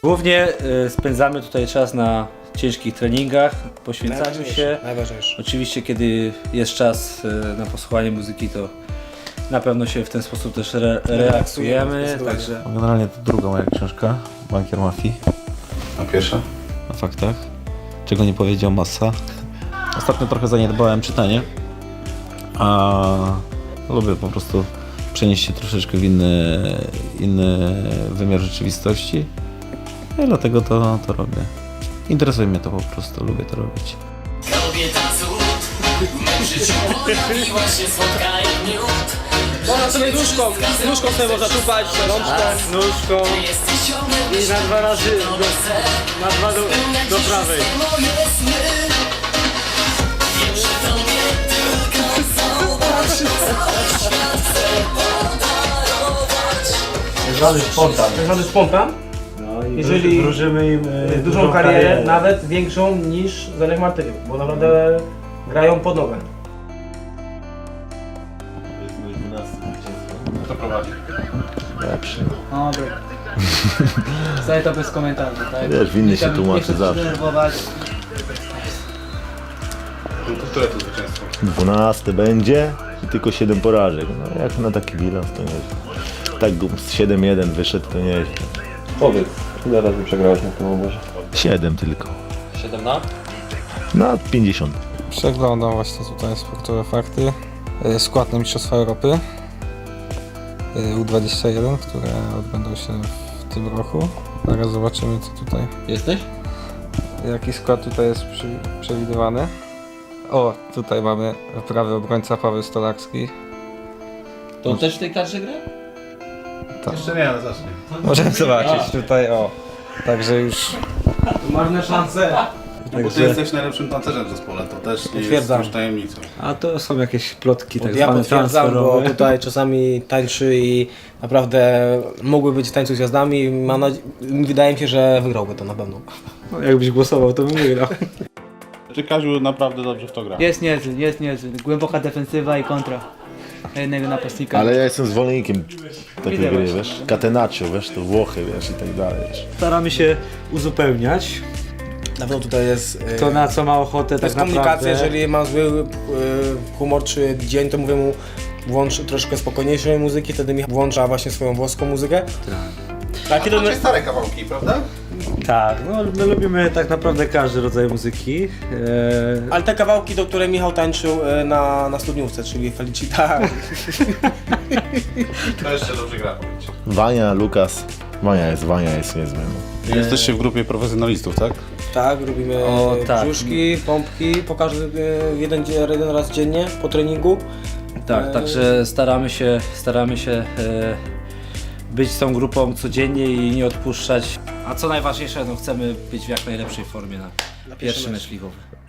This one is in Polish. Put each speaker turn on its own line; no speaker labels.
Głównie spędzamy tutaj czas na ciężkich treningach, poświęcaniu się.
Najważniejsze.
Oczywiście kiedy jest czas na posłuchanie muzyki, to na pewno się w ten sposób też relaksujemy. Także
Generalnie to druga moja książka, Bankier Mafii.
A pierwsza?
Na faktach. Czego nie powiedział Massa. Ostatnio trochę zaniedbałem czytanie, a lubię po prostu przenieść się troszeczkę w inny wymiar rzeczywistości i dlatego to robię. Interesuje mnie to po prostu, lubię to robić.
Kobieta cud, w życiu pojawiła się słodka jak miód.
Można sobie nóżką sobie można tupać, rączką.
nóżką i na dwa razy do prawej.
Wiem, że tobie tylko zauważy, co świat chce podarować.
Tak zwany spontan.
No i
Jeżeli
wróżymy im
Dużą karierę, nawet większą niż Zenek Martyniuk, bo naprawdę grają pod nogę.
Kto prowadzi?
Lepszy.
No dobra. Wcale to bez komentarzy, tak?
Wiesz, winny się tłumaczy zawsze.
Denerwować.
Które to zwycięstwo?
12 będzie i tylko 7 porażek. No jak na taki bilans to nieźle. Tak z 7-1 wyszedł to nieźle.
Powiedz, ile razy przegrałeś na tym obozie?
7 tylko.
7 na?
Na 50.
Przeglądam właśnie tutaj sportowe fakty. Skład na Mistrzostwa Europy U21, które odbędą się w tym roku. Zaraz zobaczymy, co tutaj.
Jesteś?
Jaki skład tutaj jest przewidywany. O, tutaj mamy prawy obrońca Paweł Stolarski.
To on też w tej kadrze gra?
Jeszcze nie, ale zacznie.
Możemy zobaczyć tutaj, o. Także już
Marne szanse.
Bo ty jesteś najlepszym tancerzem w zespole, to też nie jest
Potwierdzam.
już tajemnicą.
A to są jakieś plotki tak
Ja
zwane
potwierdzam, bo
transferowe.
tutaj czasami tańczy i naprawdę mógłby być w tańcu z gwiazdami. Wydaje mi się, że wygrałby to na pewno.
No, jakbyś głosował, to bym wygrał.
Czy Kaziu naprawdę dobrze w to gra?
Jest niezły. Głęboka defensywa i kontra. Na jednego napastnika.
Ale ja jestem zwolennikiem takiej
Widzę
gry,
właśnie.
wiesz. Catenaccio, wiesz, to Włochy, wiesz, i tak dalej, wiesz.
Staramy się uzupełniać
Na pewno tutaj jest...
to, na co ma ochotę
To
tak
jest
naprawdę.
komunikacja, jeżeli ma zły humor czy dzień, to mówię mu włącz troszkę spokojniejszej muzyki, wtedy mi włącza właśnie swoją włoską muzykę. Tak,
To macie stare kawałki, prawda?
Tak, no my lubimy tak naprawdę każdy rodzaj muzyki.
Ale te kawałki, do których Michał tańczył na studniówce, czyli Felicita.
To jeszcze dobrze gra, powiedzcie.
Wania, Lukas. Wania jest niezły. No.
Jesteście w grupie profesjonalistów, tak?
Tak, robimy
tak.
brzuszki, pompki, jeden raz dziennie po treningu.
Tak, także staramy się być z tą grupą codziennie i nie odpuszczać. A co najważniejsze, no chcemy być w jak najlepszej formie na pierwszy mecz ligowy.